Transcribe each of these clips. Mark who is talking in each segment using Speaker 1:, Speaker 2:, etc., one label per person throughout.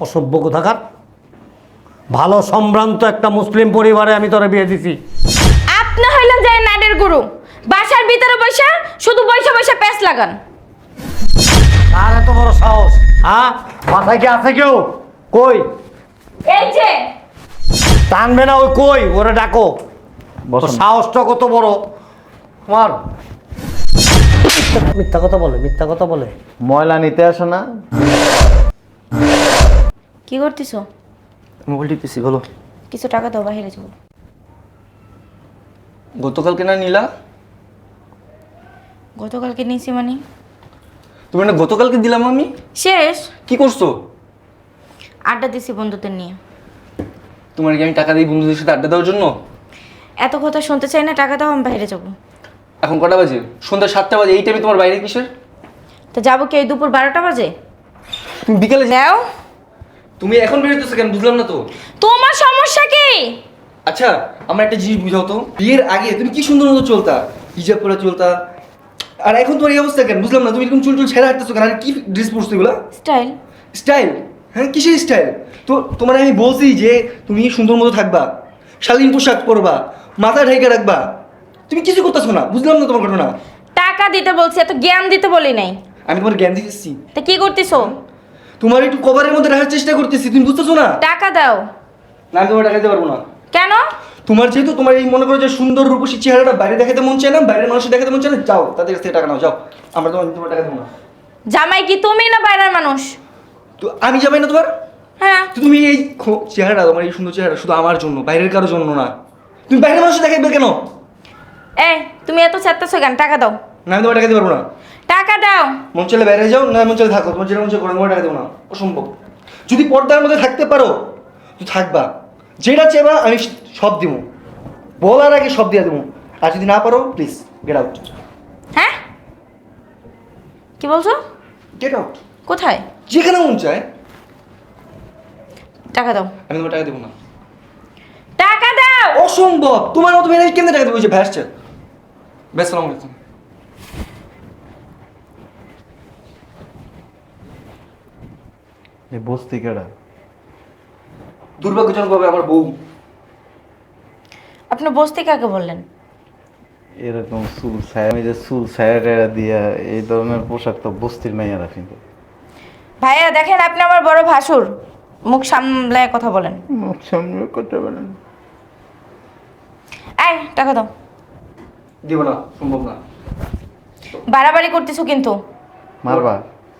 Speaker 1: অসভ্য কোথাকার। ভালো সম্ভ্রান্ত একটা মুসলিম পরিবারে আমি তোরা বিয়ে দিছি।
Speaker 2: আপনি হইলেন যে নাটের গুরু, বাসার ভিতরে বসে শুধু বসে বসে প্যাঁচ লাগান।
Speaker 1: আর এত বড় সাহস, হ্যাঁ? মাথায় কি আছে কেউ? কই
Speaker 2: এই যে
Speaker 1: টানবে না? ওই কই, ওরে ডাকো।
Speaker 3: বসুন।
Speaker 1: সাহসটা কত বড় তোমার! মিথ্যা কথা বলে, মিথ্যা কথা বলে।
Speaker 3: ময়লা নিতে আসো না?
Speaker 2: কি করতেছো?
Speaker 4: মোবাইল টিপতেছি, বলো।
Speaker 2: কিছু টাকা দাও, বাইরে যাবো।
Speaker 4: গতকালকে না নিলা?
Speaker 2: গতকালকে নিয়েছি মানে?
Speaker 4: তুমি না গতকালকে দিলাম আমি।
Speaker 2: শেষ
Speaker 4: কি করছো?
Speaker 2: আড্ডা দিছি বন্ধুদের নিয়ে।
Speaker 4: তোমার কি আমি টাকা দিই বন্ধুদের সাথে আড্ডা দেওয়ার জন্য?
Speaker 2: এত কথা শুনতে চাই না, টাকা দাও, আমি বাইরে যাবো।
Speaker 4: এখন কটা বাজে? সন্ধ্যা 7টা বাজে। এই টাইমে তোমার বাইরে কিসের?
Speaker 2: তো যাবো কি এই দুপুর 12টা বাজে?
Speaker 4: তুমি বিকেলে
Speaker 2: যাও।
Speaker 4: তুমি এখন বেরোতেছো কেন? বুঝলাম না তো।
Speaker 2: তোমার সমস্যা কি?
Speaker 4: আচ্ছা, আমার একটা জিনিস বুঝাও তো। বিয়ের আগে তুমি কি সুন্দর মতো চলতা, হিজাব পরে চলতা, আর এখন তোমার এই অবস্থা কেন? বুঝলাম না। তুমি এরকম চুল ছেড়ে হাঁটতেছো কেন? আর কি ড্রেস পরছো এগুলা?
Speaker 2: স্টাইল।
Speaker 4: স্টাইল? হ্যাঁ, কিসের স্টাইল? তো তোমার আমি বলছি যে তুমি সুন্দর মতো থাকবা, শালীন পোশাক পরবা, মাথা ঢেকে রাখবা। তুমি কিছু করতেছো না। বুঝলাম না তোমার ঘটনা।
Speaker 2: টাকা দিতে বলছি, এত জ্ঞান দিতে বলি নাই।
Speaker 4: আমি তোমার জ্ঞান দিতেছি।
Speaker 2: তা কি করতেছো?
Speaker 4: তোমার একটু কভারের মধ্যে রাখার চেষ্টা করতেছি, তুমি বুঝতেছো না?
Speaker 2: টাকা দাও।
Speaker 4: না, আমি তোমার টাকা দিতে পারবো না।
Speaker 2: কেন?
Speaker 4: তোমার যেহেতু তোমার এই মনে করো যে সুন্দর রূপসী চেহারাটা বাইরে দেখাতে মন চায় না, বাইরের মানুষের দেখাতে মন চায় না, যাও তাদের কাছ থেকে টাকা নাও, যাও। আমরা তোমার টাকা দেবো না।
Speaker 2: জামাই কি তুমি না বাইরের মানুষ?
Speaker 4: তো আমি যাবাই না তোমার?
Speaker 2: হ্যাঁ।
Speaker 4: তো তুমি এই চেহারাটা, তোমার এই সুন্দর চেহারা শুধু আমার জন্য, বাইরের কারোর জন্য না। তুমি বাইরের মানুষের দেখাইবে কেন?
Speaker 2: এই তুমি এত চাচ্তেছো কেন? টাকা দাও।
Speaker 4: না, আমি তোমার টাকা দিতে পারবো না।
Speaker 2: টাকা দাও।
Speaker 4: মন চলে বাইরে যাও, না মন চলে থাকো, তোমার যেটা মন চলে করো, তোমার টাকা দেবো না। অসম্ভব। যদি পর্দার মধ্যে থাকতে পারো তো থাকবা, যেটা চেবা আমি সব দিব, বলার আগে সব দিয়ে দেবো। আর যদি না পারো প্লিজ গেট আউট।
Speaker 2: হ্যাঁ, কি বলছো?
Speaker 4: Get out.
Speaker 2: কোথায়?
Speaker 4: যেখানে মন চায়।
Speaker 2: টাকা দাও।
Speaker 4: আমি তোমার টাকা দেবো না।
Speaker 2: টাকা দাও।
Speaker 4: অসম্ভব। তোমার মতো মেয়ে কেমনে টাকা দেবো? যে ভ্যাসছে। ব্যাস, সালাম আলাইকুম।
Speaker 3: এই বস্তি কেডা?
Speaker 4: দুর্ভাগ্যজনকভাবে আমার বউ।
Speaker 2: আপনি বসতে কাকে বললেন?
Speaker 3: এরকম চুল ছায়া, আমি যে চুল ছায়া টেরা দিয়া এই ধরনের পোশাক তো বস্তির মেয়েরা কিন্তু।
Speaker 2: ভাইয়া দেখেন, আপনি আমার বড় ভাসুর, মুখ সামলায় কথা বলেন।
Speaker 3: মুখ সামনে কথা বলেন।
Speaker 2: এই টাকা দাও।
Speaker 4: দিব না, সম্ভব না।
Speaker 2: বাড়াবাড়ি করতেছো কিন্তু।
Speaker 3: মারবা?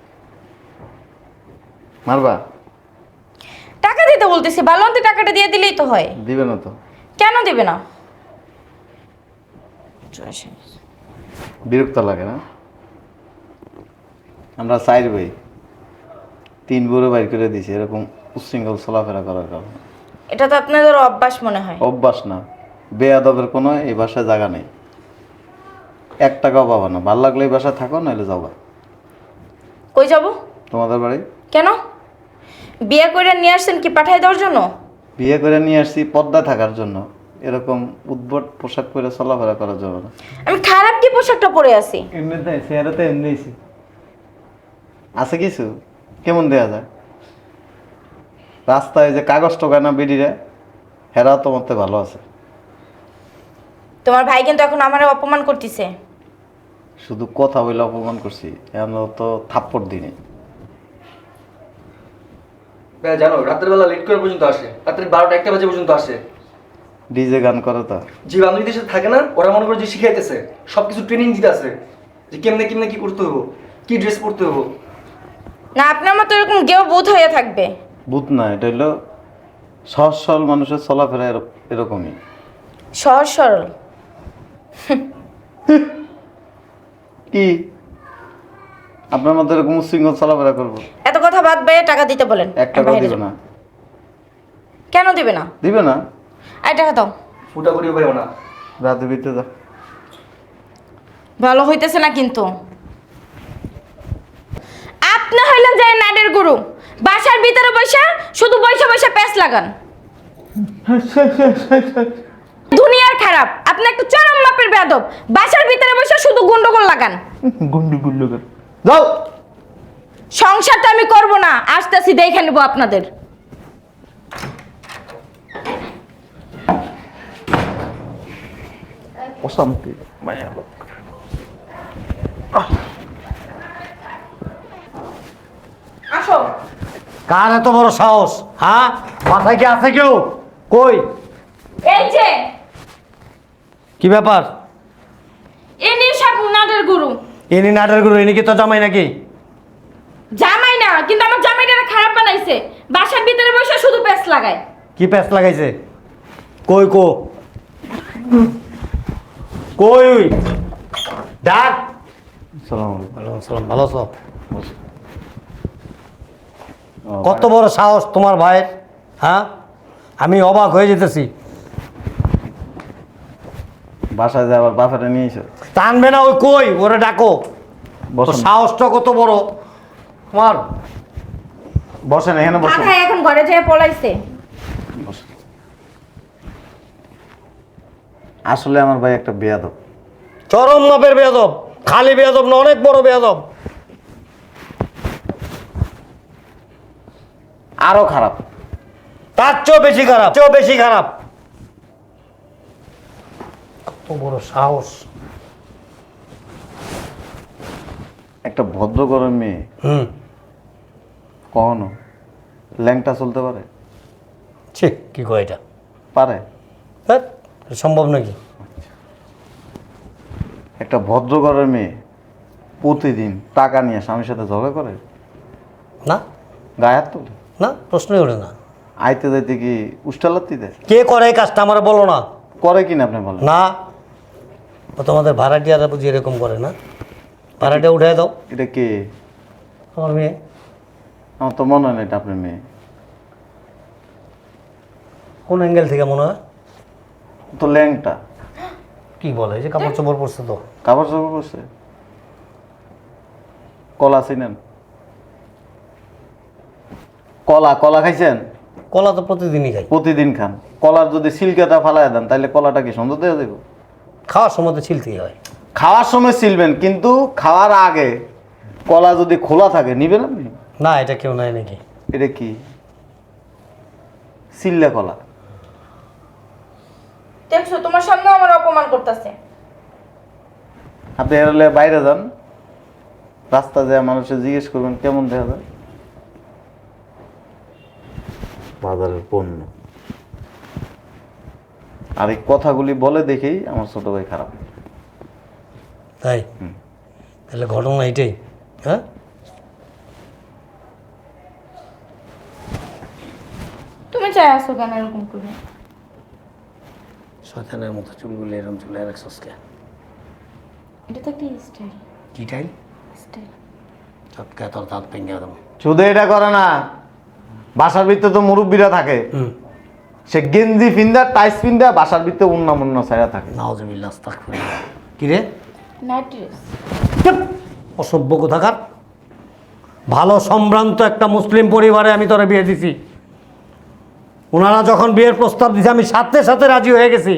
Speaker 3: মারবা?
Speaker 2: টাকা দিতে বলতেছি, বালন্তি টাকাটা দিয়ে দিলেই তো হয়।
Speaker 3: দিবে না তো?
Speaker 2: কেন দিবে না?
Speaker 3: বিরক্ত লাগে না? আমরা চাইর ভাই, 3 বড় বাইর করে দিছি এরকম উচ্ছৃঙ্খল চলাফেরা করার কারণে।
Speaker 2: এটা তো আপনাদের অভ্যাস মনে হয়।
Speaker 3: অভ্যাস না, বেয়াদবের কোনো এই বাসায় জায়গা নেই। 1 টাকাও পাবা না। ভাল লাগলে এই বাসায় থাকো, নাহলে যাবা।
Speaker 2: কই যাব?
Speaker 3: তোমাদের বাড়ি।
Speaker 2: কেন? বিয়ে করে নিয়ে আসছেন কি পাঠাই দেওয়ার জন্য?
Speaker 3: বিয়ে করে নিয়ে আসছি পর্দা থাকার জন্য, এরকম উদ্ভট পোশাক পরে চলাফেরা করার জন্য না।
Speaker 2: আমি খারাপ কি পোশাকটা পরে আছি?
Speaker 3: এমনিতে চেহারাতে এমনিছি আছে কিছু কেমন দেয়া যায়? রাস্তায় যে কাগজ টোকায় না বেডিরা, হেরাও তো মতে ভালো আছে।
Speaker 2: তোমার ভাই কিন্তু এখন আমারে অপমান করতেছে।
Speaker 3: শুধু কথা বলে অপমান করছি, এমন তো থাপ্পড় দিনে।
Speaker 4: জানো রাতের বেলা লেট করে পর্যন্ত আসে, রাত্রে 12টা 1টা বাজে পর্যন্ত আসে।
Speaker 3: ডিজে গান করে তো।
Speaker 4: যে বান্ধবীদের সাথে থাকে না, ওরা মনে করে যে শিখাইতেছে, সবকিছু ট্রেনিং দিতে আছে, যে কেমনে কেমনে কি করতে হবো, কি ড্রেস পরতে হবো।
Speaker 2: না, আপনার মতো এরকম কেউ বুধ হয়ে থাকবে।
Speaker 3: বুধ না, এটা হলো সহজ সরল মানুষের চলাফেরা এরকমই।
Speaker 2: সহজ সরল?
Speaker 3: কি আপনার মধ্যে এরকম উচ্ছৃঙ্খল চলাফেরা করবো?
Speaker 2: এত কথা বাদ দিয়ে টাকা দিতে বলেন।
Speaker 3: 1 টাকা
Speaker 2: বাইরে
Speaker 3: দিবে
Speaker 2: যাবো।
Speaker 3: না?
Speaker 2: কেন দিবে না?
Speaker 3: দিবে না?
Speaker 2: এই টাকা দাও।
Speaker 4: ফুটা করিও পাইও না।
Speaker 3: রাতে বিতে যা।
Speaker 2: ভালো হইতেছে না কিন্তু। আপনি হইলেন যে নাটের গুরু, বাসার ভিতরে বসে শুধু বসে বসে প্যাঁচ লাগান। দুনিয়ার খারাপ, আপনি একটু চরম মাপের বেয়াদব। বাসার ভিতরে বসে শুধু গন্ডগোল লাগান।
Speaker 3: গুন্ডু গুল্লু কর যাও।
Speaker 2: সংসারটা আমি করব না, আসতেছি দেখে নেবো আপনাদের।
Speaker 3: অশান্তি মায়া লোক।
Speaker 2: আসো।
Speaker 1: কার এত বড় সাহস? হ্যাঁ, মাথায় কি আছে কেউ? কই?
Speaker 2: এই যে
Speaker 1: কি ব্যাপার?
Speaker 2: ইনি সব নাটের গুরু।
Speaker 1: ইনি নাটের গুরু, ইনি কি তো জামাই নাকি?
Speaker 2: জামাই না, কিন্তু আমার জামাইটারে খারাপ বানাইছে। বাসার ভিতরে বসে শুধু পেঁচ লাগায়।
Speaker 1: কি প্যাচ লাগাইছে? কই কো? কই? ডাক।
Speaker 3: আসসালামু আলাইকুম।
Speaker 1: ওয়ালাইকুম আসসালাম, ভালো আছো?
Speaker 3: বসো। ও,
Speaker 1: কত বড় সাহস তোমার ভাইয়ের? হ্যাঁ, আমি অবাক হয়ে যেতেছি।
Speaker 3: বাসায় যে আবার বাফাটা নিয়ে এসো।
Speaker 1: টানবে না? ওই কই, ওরে ডাকো।
Speaker 3: বসেন।
Speaker 1: তোর সাহসটা কত বড় তোমার?
Speaker 3: বসেন, এখানে বসেন।
Speaker 2: কাকা এখন ঘরে যেয়ে পলাইছে।
Speaker 3: বসেন। আসলে আমার ভাই একটা বেয়াদব।
Speaker 1: চরম মাপের বেয়াদব। খালি বেয়াদব না, অনেক বড় বেয়াদব।
Speaker 3: আরো খারাপ।
Speaker 1: তার চেয়েও বেশি খারাপ, চেয়েও বেশি খারাপ। কত বড় সাহস!
Speaker 3: একটা ভদ্র ঘরের মেয়ে কখনো ল্যাংটা চলতে পারে?
Speaker 1: ঠিক কি কয় এটা?
Speaker 3: পারে।
Speaker 1: ধ্যাৎ, সম্ভব নাকি?
Speaker 3: একটা ভদ্র ঘরের মেয়ে প্রতিদিন টাকা নিয়ে স্বামীর সাথে ঝগড়া করে,
Speaker 1: না
Speaker 3: গায়ে হাত তোলে,
Speaker 1: না, প্রশ্নই ওঠে না।
Speaker 3: আইতে যাইতে কি উষ্টালাত্তি দেয়?
Speaker 1: কে করে এই কাজটা আমার বলো না।
Speaker 3: করে কিনা আপনি বলেন?
Speaker 1: না, ও তোমাদের ভাড়াটিয়ারা বুঝি এরকম করে না? ভাড়াটিয়া উঠাই দাও।
Speaker 3: এটা কে?
Speaker 1: আমার মেয়ে।
Speaker 3: আমার তো মনে হয় না এটা আপনার মেয়ে।
Speaker 1: কোন অ্যাঙ্গেল থেকে মনে হয়?
Speaker 3: তো ল্যাংটা।
Speaker 1: কি বলে, এই যে কাপড় চোপড় পরছে তো।
Speaker 3: কাপড় চাপড় করছে। কলা চিনেন? কলা কলা খাইছেন?
Speaker 1: কলা তো প্রতিদিনই খাই।
Speaker 3: প্রতিদিন খান। কলার যদি সিলকাটা ফালাই দেন তাহলে কলাটা কি সুন্দর দেওয়া দেব?
Speaker 1: খাওয়ার সময় তো ছিলতেই হয়।
Speaker 3: খাওয়ার সময় সিলবেন, কিন্তু খাওয়ার আগে কলা যদি খোলা থাকে নিবেন আপনি?
Speaker 1: না, এটা কেউ নাই নাকি?
Speaker 3: এটা কি সিল্লা কলা?
Speaker 2: দেখছো, তোমার সামনে আমার অপমান করতেছে।
Speaker 3: আপনি এরলে বাইরে যান, রাস্তা যায় মানুষে জিজ্ঞেস করবেন কেমন দেখা যায় বাজারের পণ্য। আর এই কথাগুলি বলে দেখেই আমার ছোট ভাই খারাপ।
Speaker 1: তাই? তাহলে ঘটনা এটাই? হ্যাঁ,
Speaker 2: তুমি চাই আসো কেন এরকম করে?
Speaker 1: শয়তানের মতো চুলগুলি এরকম চুলে রাখছস কে?
Speaker 2: এটা তো একটা স্টাইল।
Speaker 1: কি টাইল?
Speaker 2: স্টাইল।
Speaker 1: চটকা তোর দাঁত ভেঙে দেবো।
Speaker 3: শুধু এটা করে না, বাসার ভিতরে তো মুরব্বীরা থাকে, সে গেঞ্জি ফিন্দা টাইস ফিন্দা বাসার ভিতরে উন্না মুন্না ছায়া থাকে।
Speaker 1: নাউজুবিল্লাহ, আস্তাগফিরুল্লাহ। কি রে?
Speaker 2: Night dress.
Speaker 1: চুপ! অসভ্য কোথাকার। ভালো সম্ভ্রান্ত একটা মুসলিম পরিবারে আমি তোরা বিয়ে দিছি। ওনারা যখন বিয়ের প্রস্তাব দিছে আমি সাথে সাথে রাজি হয়ে গেছি।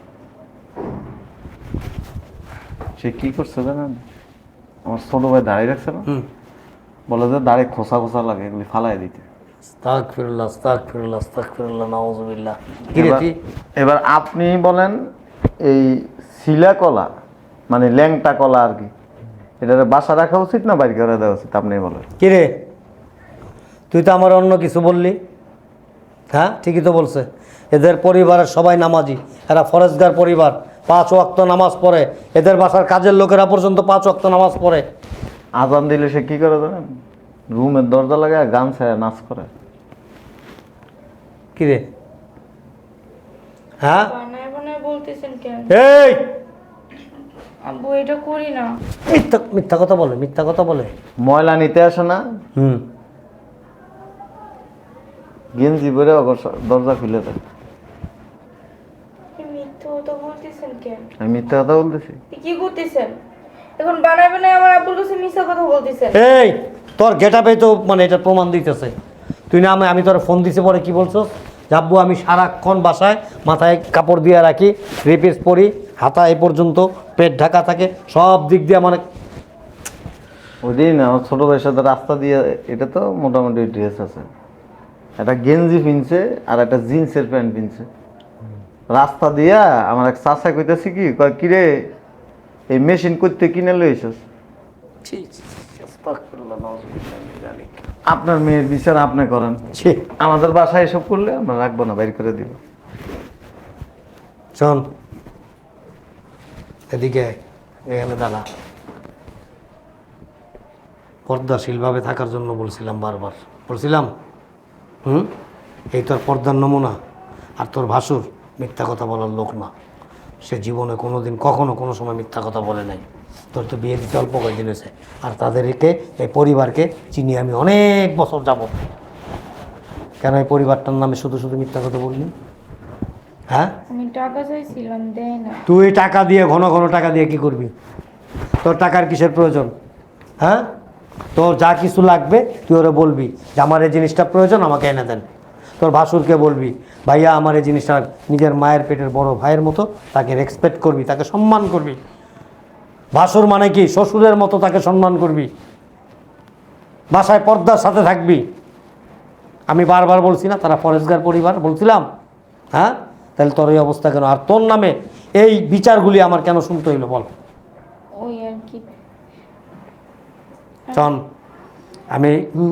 Speaker 3: সে কি করছে জানেন? আমার ছোট ভাই দাঁড়িয়ে রাখছে না, বলে যে দাঁড়িয়ে খোসা খোসা লাগে, এগুলি ফালাই দিতে।
Speaker 1: আস্তাগফিরুল্লাহ, আস্তাগফিরুল্লাহ, আস্তাগফিরুল্লাহ, নাউজুবিল্লাহ। কি রে তুই?
Speaker 3: এবার আপনি বলেন, এই শিলা কলা মানে ল্যাংটা কলা আর কি, এটা বাসা রাখা উচিত না বাইরে করে দেওয়া উচিত? আপনি বলেন।
Speaker 1: কি রে, তুই তো আমার অন্য কিছু বললি। হ্যাঁ, ঠিকই তো বলছে। এদের পরিবারের সবাই নামাজি, এরা ফরেজগার পরিবার, 5 ওয়াক্ত নামাজ পড়ে। এদের বাসার কাজের লোকেরা পর্যন্ত 5 ওয়াক্ত নামাজ পড়ে।
Speaker 3: আজান দিলে সে কি করে জানেন? রুমের দরজা লাগায় গান ছায়া নাচ করে।
Speaker 1: কি রে? হ্যাঁ,
Speaker 2: বানায় বানায় বলতেছেন কেন?
Speaker 1: এই
Speaker 2: আব্বু, এটা করি না।
Speaker 1: মিথ্যা মিথ্যা কথা বলে, মিথ্যা কথা বলে।
Speaker 3: ময়লা নিতে আসে না, গেঞ্জি পরে দরজা খুলে দেয়।
Speaker 2: মিথ্যা কথা বলতেছেন কেন?
Speaker 3: আমি মিথ্যা কথা বলতেছি?
Speaker 2: কি করতেছেন এখন? বানায় বানায় আমার আব্বুর কাছে মিথ্যা কথা বলতেছেন।
Speaker 1: এই তোর গেটআপে তো মানে এটা প্রমাণ দিতেছে। তুই না আমি তোর ফোন দিছি, পরে কি বলছো? যাব্বু আমি সারাক্ষণ বাসায় মাথায় কাপড় দিয়ে রাখি, রিপিস পরি, হাতা এই পর্যন্ত, পেট ঢাকা থাকে, সব দিক দিয়ে মানে
Speaker 3: ওই দিন আমার ছোট ভাইয়ের সাথে রাস্তা দিয়ে, এটা তো মোটামুটি ড্রেস আছে, একটা গেঞ্জি পিনছে আর একটা জিন্সের প্যান্ট পিনছে। রাস্তা দিয়া আমার এক চাচা কইতেছি কি, কয় কিরে এই মেশিন করতে কিনে লইছস? আপনার মেয়ের বিচার আপনি করেন,
Speaker 1: ছি,
Speaker 3: আমাদের বাসায় এসব করলে আমরা রাখবো না, বাইর করে দিব।
Speaker 1: শোন এদিকে আয়, এখানে দাঁড়া। পর্দাশীলভাবে থাকার জন্য বলছিলাম বারবার, বলছিলাম। এই তোর পর্দার নমুনা। আর তোর ভাসুর মিথ্যা কথা বলার লোক না, সে জীবনে কোনো দিন কখনো কোনো সময় মিথ্যা কথা বলে নাই। তোর তো বিয়ে দিতে অল্প কয়েকদিন হয়েছে, আর তাদেরকে এই পরিবারকে চিনি আমি অনেক বছর যাব। কেন এই পরিবারটার নামে শুধু শুধু মিথ্যা কথা বললি? হ্যাঁ,
Speaker 2: আমি টাকা চাইছিলাম, দেয় না।
Speaker 1: তুই টাকা দিয়ে ঘন ঘন টাকা দিয়ে কি করবি? তোর টাকার কিসের প্রয়োজন? হ্যাঁ, তোর যা কিছু লাগবে তুই ওরা বলবি যে আমার এই জিনিসটা প্রয়োজন, আমাকে এনে দেন। তোর ভাসুরকে বলবি ভাইয়া আমার এই জিনিসটা, নিজের মায়ের পেটের বড় ভাইয়ের মতো তাকে রেসপেক্ট করবি, তাকে সম্মান করবি। ভাসুর মানে কি? শ্বশুরের মতো তাকে সম্মান করবি, বাসায় পর্দার সাথে থাকবি। আমি বারবার বলছি না তারা ফরেস্টগার পরিবার, বলছিলাম? হ্যাঁ, তাহলে তোর এই অবস্থা কেন? আর তোর নামে এই বিচারগুলি আমার কেন শুনতে হইলো বল?
Speaker 2: ওই আর কি।
Speaker 1: চন, আমি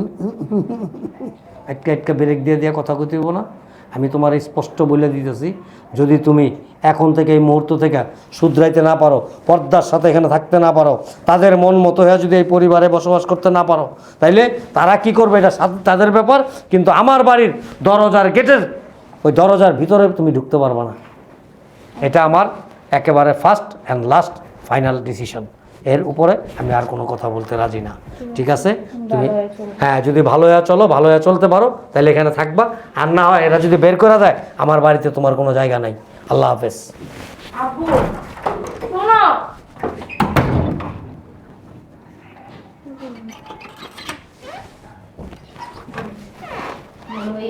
Speaker 1: একটা ব্রেক দিয়ে দিয়ে কথা কইতেইব না। আমি তোমার স্পষ্ট বলে দিতেছি, যদি তুমি এখন থেকে এই মুহূর্ত থেকে শুধরাইতে না পারো, পর্দার সাথে এখানে থাকতে না পারো, তাদের মন মতো হয়ে যদি এই পরিবারে বসবাস করতে না পারো, তাইলে তারা কি করবে এটা তাদের ব্যাপার। কিন্তু আমার বাড়ির দরজার গেটের ওই দরজার ভিতরে তুমি ঢুকতে পারবে না। এটা আমার একেবারে first and last final decision. এর উপরে আমি আর কোনো কথা বলতে রাজি না, ঠিক আছে? তুমি হ্যাঁ, যদি ভালো হয়ে চলো, ভালো হয়ে চলতে পারো, তাহলে এখানে থাকবা। আর না হয় এরা যদি বের করে দেয়, আমার বাড়িতে তোমার কোনো জায়গা নাই। আল্লাহ হাফেজ।
Speaker 2: আব্বু শোনো।